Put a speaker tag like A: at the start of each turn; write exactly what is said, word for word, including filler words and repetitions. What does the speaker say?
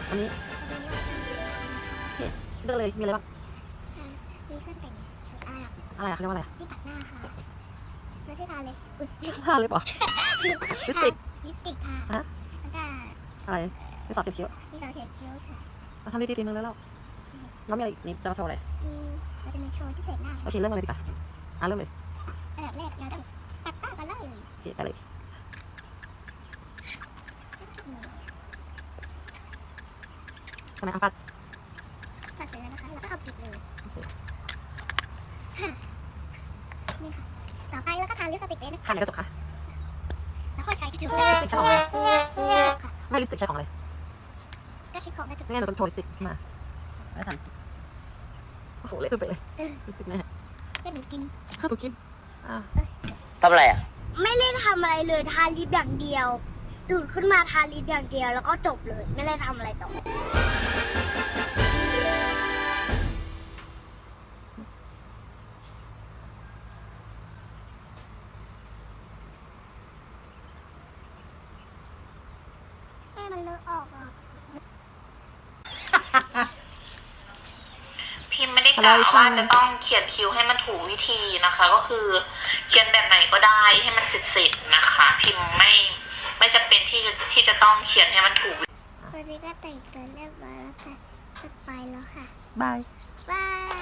A: อันนี้เลือกเลยมีอะไรบ้าง
B: มีเครื่องแต่งอะไรอ่ะ
A: อะไรอะเขาเรียกว่าอะไร
B: ที่ปัดหน้าค่ะไม่ได้ทาเลย
A: ทาเล็บเหรอลิปสติก
B: ลิปสติกทา
A: ฮะ
B: แล้วก็
A: อะไรดินสอเขียนคิ้ว
B: ดินสอเขียนคิ้วค่ะ
A: ทำดีๆทีนึงแล้วแล้วแล้วมีอะไรอีกนี่จะมาโชว์อะไร
B: อืมเราจะมาโชว์ที่แต่งหน้า
A: โอเคเริ่มเลยดีกว่าอ่ะเริ่มเลย
B: อันดับแรกเราต้องปัดหน้ากันเลย
A: โอเคไปเลยทำไมอ่ะปัด
B: ปัดเสร็จแล้วนะคะเราก็เอาปิดเลยนี่ค่ะต่อไปเราก็ทาลิปสติกเลยนะ
A: ทาในกระจกค่ะ
B: แล้วก็ใช้กระจก
A: ลิปสติกใช้ของอะไรไม่ลิปสติกใช้ของอะไร
B: ก็ใช้ของกระจก
A: ไม่งั้นเราต้องโชว์ลิปสติกขึ้นมาแล้วทาลิปสติกโอ้โหเละไปเลยลิปสติกแม่
B: ก็หนูกิน
A: ข้าวตุ๊กกินอ่า
C: ทำอะไรอ่ะ
B: ไม่ได้ทำอะไรเลยทาลิปอย่างเดียวตื่นขึ้นมาทาลิปอย่างเดียวแล้วก็จบเลยไม่ได้ทำอะไรต่อแม่มันเลอะออกอ่ะ
D: พิมพ์ไม่ได้กล่าวว่าจะต้องเขียนคิ้วให้มันถูกวิธีนะคะก็คือเขียนแบบไหนก็ได้ให้มันเสร็จๆนะคะพิมพ์ไม่ไม่จำเป็นที่จะที่จะต้องเขียนให้มันถูก
B: วันนี้ก็แต่งตัวเรียบร้อยแล้วค่ะจะไปแล้วค่ะ
A: บาย
B: บาย